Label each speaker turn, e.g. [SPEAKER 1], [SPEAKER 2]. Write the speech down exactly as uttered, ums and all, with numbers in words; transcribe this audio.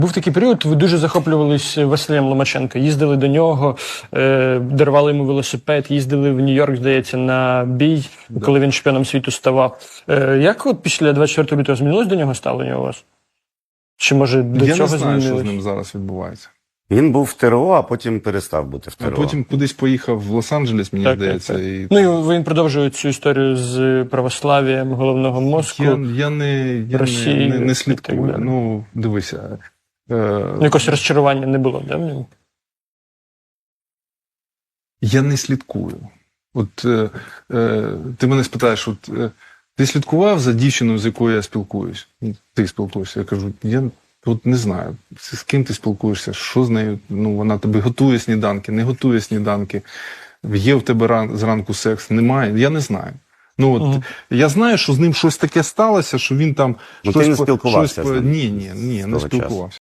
[SPEAKER 1] Був такий період, ви дуже захоплювались Василем Ломаченко, їздили до нього, е, дарували йому велосипед, їздили в Нью-Йорк, здається, на бій, да. коли він чемпіоном світу ставав. Е, як от після двадцять четвертого лютого змінилось до нього ставлення у вас? Чи, може, до
[SPEAKER 2] Я
[SPEAKER 1] цього
[SPEAKER 2] не знаю,
[SPEAKER 1] змінилось?
[SPEAKER 2] що з ним зараз відбувається.
[SPEAKER 3] Він був в ТРО, а потім перестав бути в ТРО.
[SPEAKER 2] А потім кудись поїхав в Лос-Анджелес, мені
[SPEAKER 1] так,
[SPEAKER 2] здається.
[SPEAKER 1] Так, так.
[SPEAKER 2] І...
[SPEAKER 1] Ну і він продовжує цю історію з православ'ям головного мозку.
[SPEAKER 2] Я, я, не, я
[SPEAKER 1] Росії,
[SPEAKER 2] не, не слідкую. Ну, дивися. Е...
[SPEAKER 1] Якось розчарування не було, да, в ньому?
[SPEAKER 2] Я не слідкую. От е, е, ти мене спитаєш, от, е, ти слідкував за дівчиною, з якою я спілкуюсь? Ти спілкуєшся. Я кажу, я от не знаю, з ким ти спілкуєшся, що з нею, ну, вона тобі готує сніданки, не готує сніданки, є в тебе ран, зранку секс, немає, я не знаю. Ну, от, угу. Я знаю, що з ним щось таке сталося, що він там...
[SPEAKER 3] Ну,
[SPEAKER 2] щось,
[SPEAKER 3] ти не спілкувався
[SPEAKER 2] щось,
[SPEAKER 3] з ним?
[SPEAKER 2] Ні, ні, ні, не спілкувався.